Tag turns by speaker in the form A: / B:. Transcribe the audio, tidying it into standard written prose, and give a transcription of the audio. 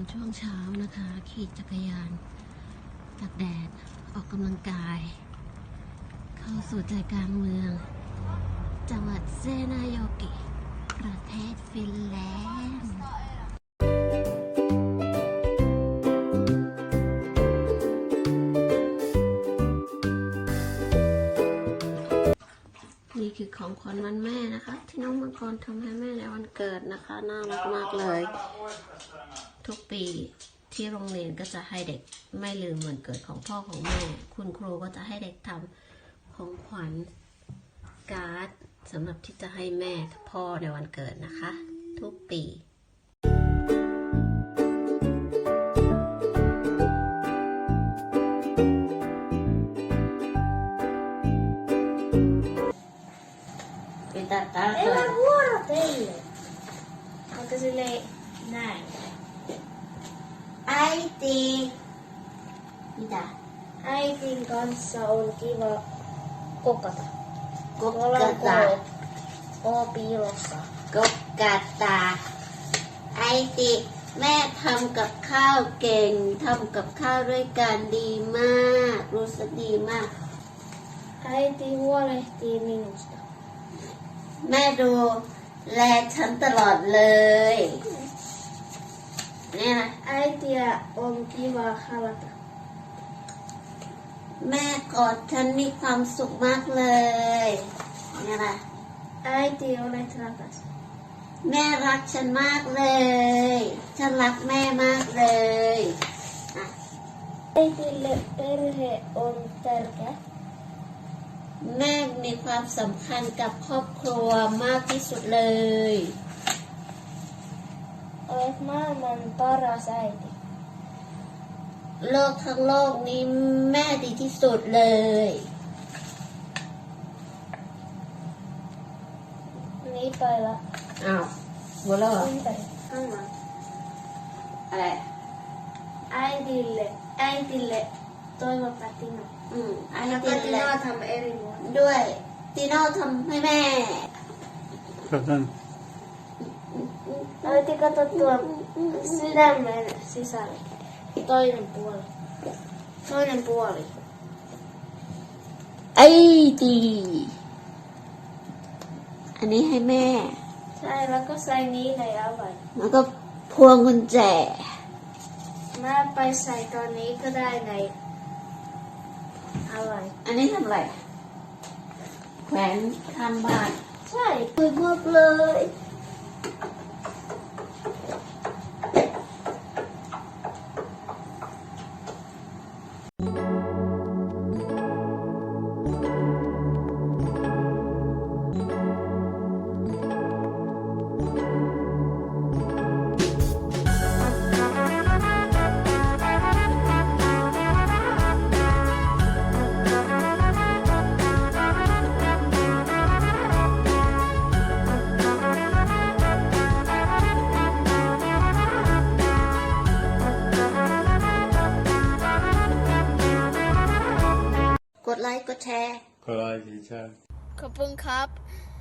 A: ช่วงเช้านะคะขี่จักรยานตากแดดออกกำลังกายเข้าสู่ใจกลางเมืองจังหวัดเซนาโยกิประเทศฟินแลนด์นี่คือของขวัญวันแม่นะคะที่น้องมังกรทำให้แม่ในวันเกิดนะคะน่ารักมากเลยทุกปีที่โรงเรียนก็จะให้เด็กไม่ลืมวันเกิดของพ่อของแม่คุณครูก็จะให้เด็กทำของขวัญการ์ดสำหรับที่จะให้แม่พ่อในวันเกิดนะคะทุกปี
B: Ei ole vuoro teille. Onko silleen näin?
A: Äiti. Mitä?
B: Äitin kanssa on kiva kokata.
A: Kokata.
B: Oo piilossa.
A: Kokata. Äiti, แม่ทำกับข้าวเก่งทำกับข้าวด้วยกันดีมากรู้สึกดีมาก
B: Äiti huolehtii minusta.
A: แม่ดูแลฉันตลอดเลย เนี่ยนะ
B: Äitiä on kiva halata.
A: แม่กอดฉันมีความสุขมากเลย เนี่ยนะ
B: Äiti olet rakas.
A: แม่รักฉันมากเลย ฉันรักแม่มากเลย
B: Äitille perhe on tärkeä.
A: แม่มีความสำคัญกับครอบครัวมากที่สุดเลย
B: Olet maailman paras äiti.
A: โลกทั้งโลกนี้แม่ดีที่สุดเลย
B: Niin päivä.
A: อ้าวหัวเราะ
B: Ympäri. Anna.
A: อะไร
B: Äitille toivota Tino.
A: อัน
B: Ja
A: นี้แหละ
B: Tinoทำ eri vuonna.
A: ด้วยตีโน่ทำให้แม่
B: Äiti kato tuon sydämen sisälle. Toinen puoli. Toinen puoli.
A: ไอ้ดีอันนี้ให้แม่
B: Sai,แล้วก็ใส่นี้ในavain.
A: แล้วก็พวงกุญแจ
B: Mäไปใส่ตอนนี้ก็ได้ในavain.
A: อันนี้ทำอะไรแขวนข้างบ้าน
B: ใช่
A: สวยมากเลยกดไลค์กดแชร์
C: Kolay geçer.
B: ขอบคุณครับ